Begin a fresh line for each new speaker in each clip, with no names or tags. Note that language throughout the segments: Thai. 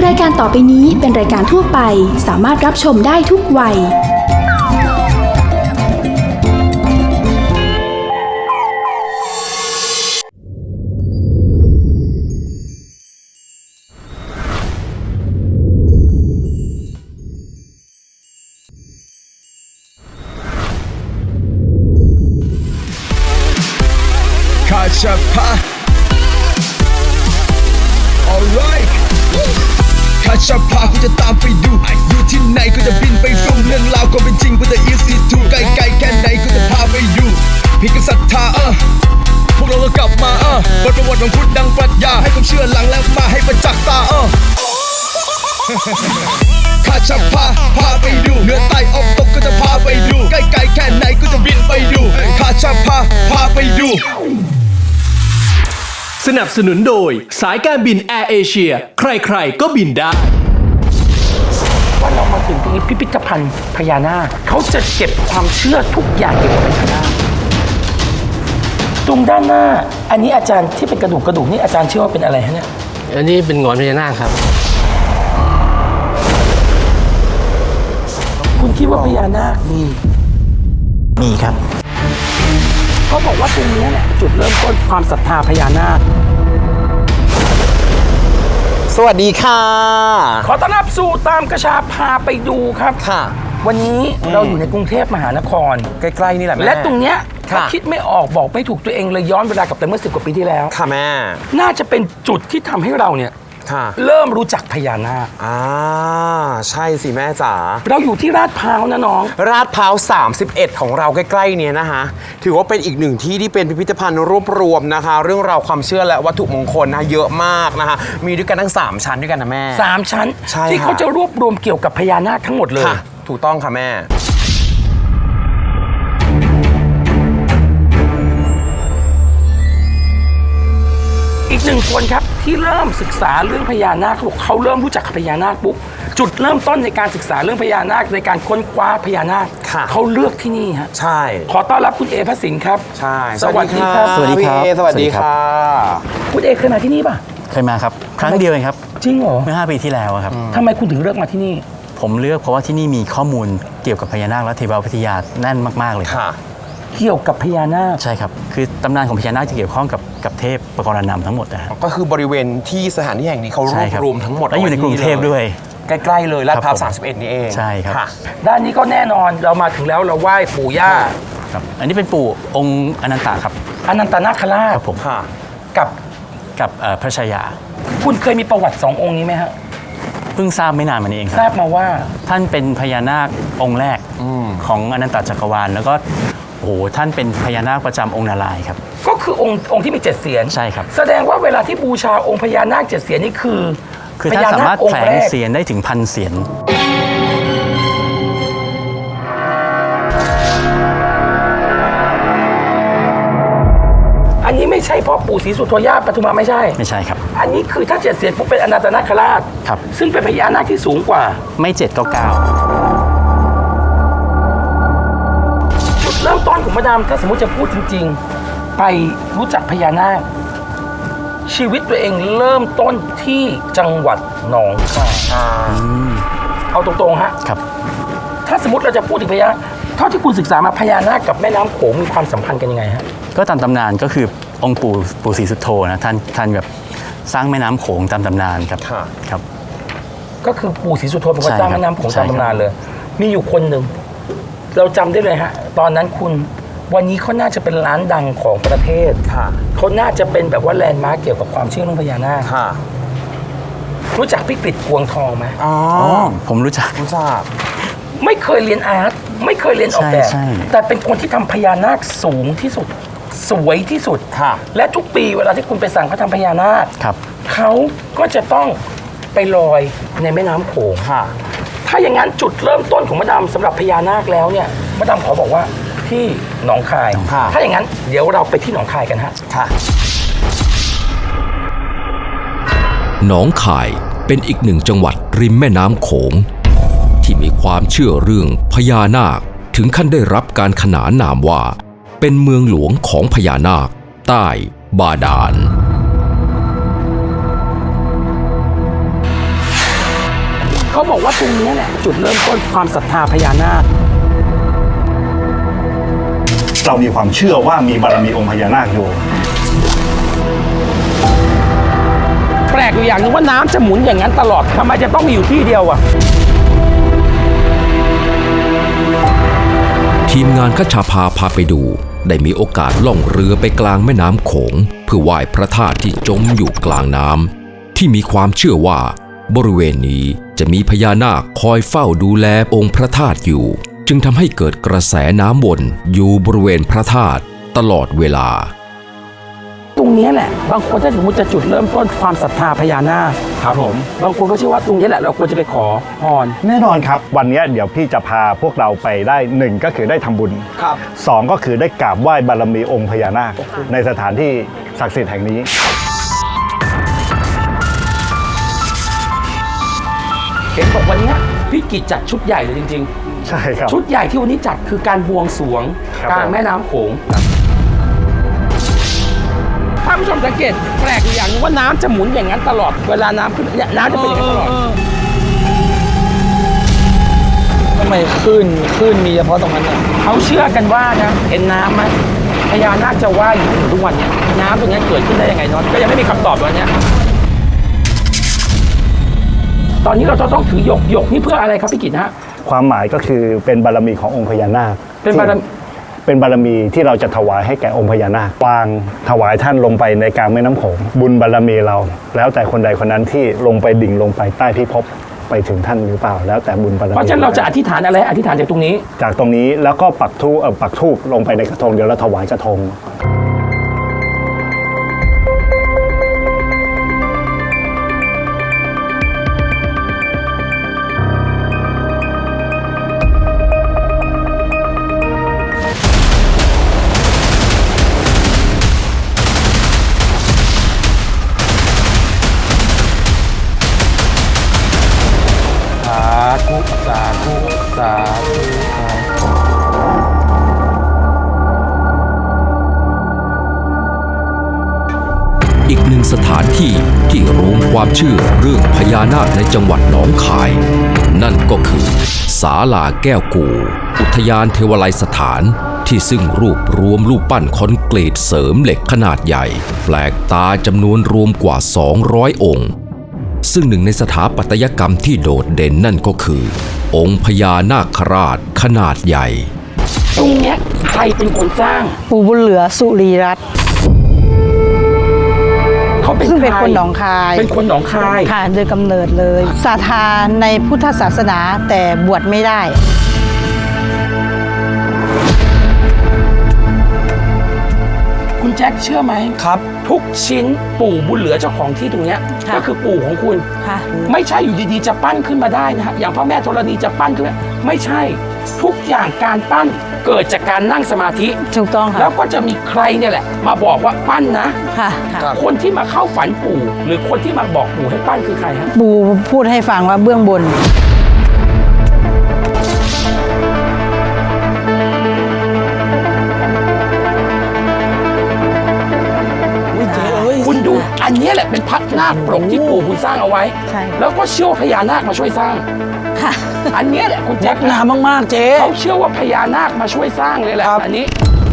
รายการต่อไปนี้เป็นรายการทั่วไปสามารถรับชมได้ทุกวัย
Kachapa Alright Kachapa กูจะตามไปดูอยู่ที่ไหนกูจะบินไปดูเรื่องราวก็เป็นจริงกูจะ easy to ไกลๆแค่ไหนกูจะพาไปอยู่พี่ก็ศรัทธาพวกเราก็กลับมาบทประวัติของพุทธดังปรัชญาให้ความเชื่อหลังแล้วมาให้ประจักษ์ตาKachapa พาไปดูเหนือใต้ออกตกก็จะพาไปดูใกล้ๆแค่ไหนกูจะบินไปดูKachapa พาไปดู
สนับสนุนโดยสายการบินแอร์เอเชียใครๆก็บินได้
ว่าเรามาถึงตรงนี้พิพิธภัณฑ์พญานาคเขาจะเก็บความเชื่อทุกอย่างเกี่ยวกับพญานาคตรงด้านหน้าอันนี้อาจารย์ที่เป็นกระดูกนี่อาจารย์เชื่อว่าเป็นอะไรฮะเนี่ย
อันนี้เป็นหงอนพญานาคครับ
คุณคิดว่าพญานาคมี
ครับ
เขาบอกว่าตรงนี้แหละจุดเริ่มต้นความศรัทธาพญานาค
สวัสดีค่ะ
ขอต้อนรับสู่ตามกระชาพาไปดูครับ
ค่ะ
วันนี้เราอยู่ในกรุงเทพมหานคร
ใกล้ๆนี่แหละแม่
และตรงเนี้ยถ้าคิดไม่ออกบอกไม่ถูกตัวเองเลยย้อนเวลากลับไปเมื่อ10 กว่าปีที่แล้ว
ค่ะแม่
น่าจะเป็นจุดที่ทำให้เราเนี่ยเริ่มรู้จักพญานาค
ใช่สิแม่จ๋า
เราอยู่ที่ลาดพร้าวนะน้อง
ลาดพร้าว31ของเราใกล้ๆเนี่ยนะคะถือว่าเป็นอีกหนึ่งที่เป็นพิพิธภัณฑ์รวบรวมนะคะเรื่องราวความเชื่อและวัตถุมงคลนะเยอะมากนะคะมีด้วยกันทั้ง3ชั้นด้วยกันนะแม่
3ชั้นที่เขาจะรวบรวมเกี่ยวกับพญานาคทั้งหมดเลย
ถูกต้องค่ะแม่
อีกหนึ่งคนครับที่เริ่มศึกษาเรื่องพญานาคเขาเริ่มรู้จักพญานาคปุ๊บจุดเริ่มต้นในการศึกษาเรื่องพญานาคในการค้นคว้าพญานาคเขาเลือกที่นี่ฮะ
ใช่
ขอต้อนรับคุณเอพระสินครับ
ใช่
สวัสดีครับ
สวัสดีครับสวัสดีค่ะ
คุณเอเคยมาที่นี่ป่ะ
เคยมาครับครั้งเดียวเองครับ
จริงเหรอ
เมื่อ5 ปีที่แล้วครับ
ทำไมคุณถึงเลือกมาที่นี่
ผมเลือกเพราะว่าที่นี่มีข้อมูลเกี่ยวกับพญานาคและเทววิทยาแน่นมากๆเลยครับ
เกี่ยวกับพญานาค
ใช่ครับคือตำนานของพญานาคจะเกี่ยวข้องกับเทพปกรณำทั้งหมดนะ
ก็คือบริเวณที่สถานที่แห่งนี้เขารวบรวมทั้งหมด
และอยู่ในกรุงเทพด้วย
ใกล้ๆเลยลาดพร้าว31นี่เอง
ใช่ครับ
ด้านนี้ก็แน่นอนเรามาถึงแล้วเราไหว้ปู่ย่า
ครับอันนี้เป็นปู่องค์อนันตะครับ
อนันตนาคราช
ครับผม
กับ
พระชายา
คุณเคยมีประวัติ2 องค์นี้ไหมฮะ
เพิ่งทราบไม่นานมานี้เองครับ
ทราบมาว่า
ท่านเป็นพญานาคองค์แรกของอนันตจักรวาลแล้วก็โอ้โหท่านเป็นพญานาคประจำองค์นารายณ์ครับ
ก็คือองค์ที่มี7 เสียร
ใช่ครับ
แสดงว่าเวลาที่บูชาองค์พญานาค7 เสียรนี่คือ
ท่านสามารถแผลงเสียรได้ถึง1,000 เสียร
อันนี้ไม่ใช่พ่อปู่ศรีสุโธย่าปทุมาไม่ใช่
ครับ
อันนี้คือถ้า7 เสียรปุ๊บเป็นอนันตนาคราช
ครับ
ซึ่งเป็นพญานาคที่สูงกว่า
ไม่7ก็9
เริ่มต้นของมาดามถ้าสมมติจะพูดจริงๆไปรู้จักพญานาคชีวิตตัวเองเริ่มต้นที่จังหวัดหนองคายเอาตรงๆฮะ
ครับ
ถ้าสมมติเราจะพูดถึงพญานาคเท่าที่คุณศึกษามาพญานาคกับแม่น้ำโขงมีความสัมพันธ์กันยังไงฮะ
ก็ตามตำนานก็คือองค์ปู่ศรีสุโธนะท่านแบบสร้างแม่น้ำโขงตามตำนานครับครับ
ก็คือปู่ศรีสุโธเป็นคนสร้างแม่น้ำโขงตามตำนานเลยมีอยู่คนหนึ่งเราจำได้เลยฮะตอนนั้นวันนี้เขาน่าจะเป็นร้านดังของประเทศเขาน่าจะเป็นแบบว่าแลนด์มาร์คเกี่ยวกับความเชื่อเรื่องพญานาครู้จักพี่กฤษกวงทองไหม
ผมรู้จัก
ไม่เคยเรียนอาร์ตไม่เคยเรียนออกแบบแต่เป็นคนที่ทำพญานาคสูงที่สุดสวยที่สุดและทุกปีเวลาที่คุณไปสั่งเขาทำพญานาคเขาก็จะต้องไปลอยในแม่น้ำโขงถ้าอย่างนั้นจุดเริ่มต้นของมะดามสำหรับพญานาคแล้วเนี่ยมะดามขอบอกว่าที่หนองคายถ้าอย่างนั้นเดี๋ยวเราไปที่หนองคายกันฮะ
หนองคายเป็นอีกหนึ่งจังหวัดริมแม่น้ำโขงที่มีความเชื่อเรื่องพญานาคถึงขั้นได้รับการขนานนามว่าเป็นเมืองหลวงของพญานาคใต้บาดาล
เขาบอกว่าตรงนี้แหละจุดเริ่มต้นความศรัทธาพญานาค
เรามีความเชื่อว่ามีบารมีองค์พญานาคอยู่
แปลกอยู่อย่างหนึงว่าน้ำจะหมุนอย่างนั้นตลอดทำไมจะต้องมีอยู่ที่เดียวอะ
ทีมงานขชาพาพาไปดู ได้มีโอกาสล่องเรือไปกลางแม่น้ำโขงเพื่อไหว้พระธาตุที่จมอยู่กลางน้ำที่มีความเชื่อว่าบริเวณนี้จะมีพญานาคคอยเฝ้าดูแลองค์พระธาตุอยู่ จึงทำให้เกิดกระแสน้ำวนอยู่บริเวณพระธาตุตลอดเวลา
ตรงนี้แหละบางคนถ้าสมมติจะจุดเริ่มต้นความศรัทธาพญานาค
ครับผม
บางคนก็เชื่อว่าตรงนี้แหละเราควรจะไปขอพร
แน่นอนครับ วันนี้เดี๋ยวพี่จะพาพวกเราไปได้หนึ่งก็คือได้ทำบุญ
ครับ
สองก็คือได้กราบไหว้บารมีองค์พญานาคในสถานที่ศักดิ์สิทธิ์แห่งนี้
เห็นบอกวันนี้พี่กิจจัดชุดใหญ่เลยจริง
ใช่ครับ
ๆ ชุดใหญ่ที่วันนี้จัดคือการบวงสรวง
ครับ
กลางแม่น้ำโขงถ้าผู้ชมสังเกตแปลกอยู่อย่างหนึงว่าน้ำจะหมุนอย่างนั้นตลอดเวลาน้ำขึ้นเนี่ยน้ำจะเป็นอย่างนั้นตลอด
ทำไมคลื่นมีเฉพาะตรงนั้นน่ะ
เขาเชื่อกันว่านะเห็นน้ำไหมพญานาคจะว่ายอยู่ถึงทุกวันเนี่ยน้ำตรงนี้เกิดขึ้นได้ยังไงเนาะก็ยังไม่มีคำตอบวันนี้ตอนนี้เราจะต้องถือหยกนี่เพื่ออะไรครับพี่กิจฮะ
ความหมายก็คือเป็นบารมีขององค์พญานาค
เป็นบารมี
เป็นบารมีที่เราจะถวายให้แก่องค์พญานาควางถวายท่านลงไปในกลางแม่น้ำโขงบุญบารมีเรา แล้วแต่คนใดคนนั้นที่ลงไปดิ่งลงไปใต้พิภพไปถึงท่านหรือเปล่า แล้วแต่บุญบารมี
เพราะฉะนั้นเราจะอธิษฐานอะไรอธิษฐานจากตรงนี้
จากตรงนี้แล้วก็ปักธูปลงไปในกระทงเดี๋ยวเราถวายกระทง
สาธุสาธุสาธุ
อีกหนึ่งสถานที่ที่รวมความเชื่อเรื่องพญานาคในจังหวัดหนองคาย นั่นก็คือศาลาแก้วกู่อุทยานเทวไลยสถานที่ซึ่งรวบรวมรูปปั้นคอนกรีตเสริมเหล็กขนาดใหญ่แปลกตาจำนวนรวมกว่า 200 องค์ ซึ่งหนึ่งในสถาปัตยกรรมที่โดดเด่นนั่นก็คือ องค์พญานาคราชขนาดใหญ่
ตรงเนี้ยใครเป็นคนสร้าง
ปู่บุญเหลือสุรีรัตน์
เขาเป็น
ซึ่งเป็น
ใร
คนหนองคาย
เป็นคนหนองคาย
ค่ะโดยกำเนิดเลยศรัทธาในพุทธศาสนาแต่บวชไม่ได้
คุณแจ็คเชื่อไหมครับ ทุกชิ้นปู่บุญเหลือเจ้าของที่ตรงเนี้ย
ค่ะ
ก็คือปู่ของคุณ
ค่ะ
ไม่ใช่อยู่ดีๆจะปั้นขึ้นมาได้นะฮะอย่างพระแม่ธรณีจะปั้นขึ้นมาไม่ใช่ทุกอย่างการปั้นเกิดจากการนั่งสมาธิ
ถูกต้องค่ะ
แล้วก็จะมีใครเนี่ยแหละ มาบอกว่าปั้นนะ
ค่ะค่ะ
คนที่มาเข้าฝันปู่ หรือคนที่มาบอกปู่ให้ปั้นคือใครฮะ
ปู่พูดให้ฟังว่าเบื้องบน
คุณดูอันเนี้ยแหละเป็นพัดนาคปรกที่ปู่คุณสร้างเอาไว้
ใช่
แล้วก็เชื่อว่าพญานาคมาช่วยสร้าง
ค่ะ
อันเนี้ยแหละคุณแจ็ค
น้ำมากๆเจ๊
เขาเชื่อว่าพญานาคมาช่วยสร้างเลยแหละอันนี้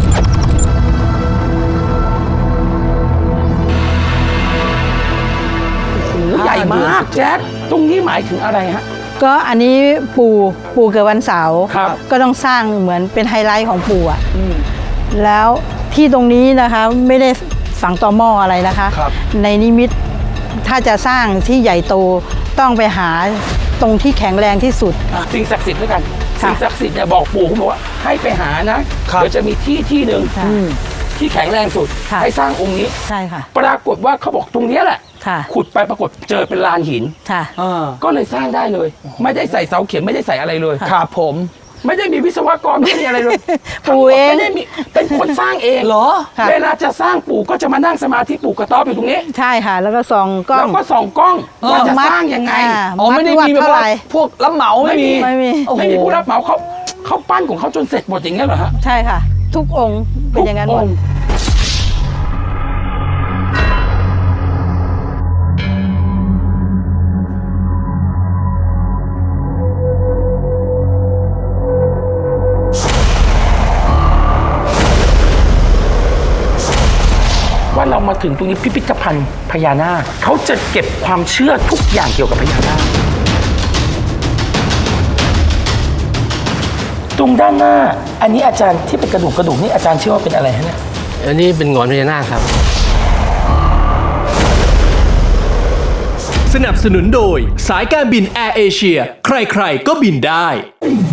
โอ้โหใหญ่มากแจ็คตรงนี้หมายถึงอะไรฮะ
ก็อันนี้ปู่เกิดวันเสาร์
ครับ
ก็ต้องสร้างเหมือนเป็นไฮไลท์ของปู่อ่ะแล้วที่ตรงนี้นะคะไม่ได้ฝังตอหม้ออะไรนะคะ ในนิมิตถ้าจะสร้างที่ใหญ่โตต้องไปหาตรงที่แข็งแรงที่สุด
สิ่งศักดิ์สิทธิ์ด้วยกัน
ค่ะ
สิ่งศักดิ์สิทธิ์เนี่ยบอกปู่คุณบอกว่าให้ไปหานะเดี๋ยวจะมีที่หนึ่ง
ค่ะ
ที่แข็งแรงสุด
ค่ะ
ให้สร้างองค์นี้
ใช่ค่ะ
ปรากฏว่าเขาบอกตรงเนี้ยแหละ
ค่ะ
ขุดไปปรากฏเจอเป็นลานหิน
ค่ะ
ก็เลยสร้างได้เลย ไม่ได้ใส่เสาเข็มไม่ได้ใส่อะไรเลย
ครับผม
ไม่ได้มีวิศวกรไม่ได้มีอะไรเลย
ปู่เอง
ไม่ได้มีเป็นคนสร้างเอง
เหรอ
ค่ะ
เวลาจะสร้างปู่ก็จะมานั่งสมาธิปู่กระต๊อบอยู่ตรงนี้
ใช่ค่ะ แล้วก็ส่องกล้อ
แล้
ง
วก็ส่องกล้องว่าจะสร้างยังไง
อ๋อไม่ได้มีแบบ
เท่าไห
ว่า
ร่
พวกรับเหมาไม่มี
ไม่มี
โอ้โห
ไม่มีผู้รับเหมาเขาปั้นของเขาจนเสร็จหมดอย่างเงี้ยเหรอฮะ
ใช่ค่ะ ทุกองค์เป็นอย่างนั้นหม
ทุก
ด
งค์ว่าเรามาถึงตรงนี้พิพิธภัณฑ์พญานาคเขาจะเก็บความเชื่อทุกอย่างเกี่ยวกับพญานาคตรงด้านหน้าอันนี้อาจารย์ที่เป็นกระดูกนี่อาจารย์เชื่อว่าเป็นอะไรฮะเนี่ย
อันนี้เป็นหงอนพญานาคครับ
สนับสนุนโดยสายการบินแอร์เอเชียใครๆก็บินได้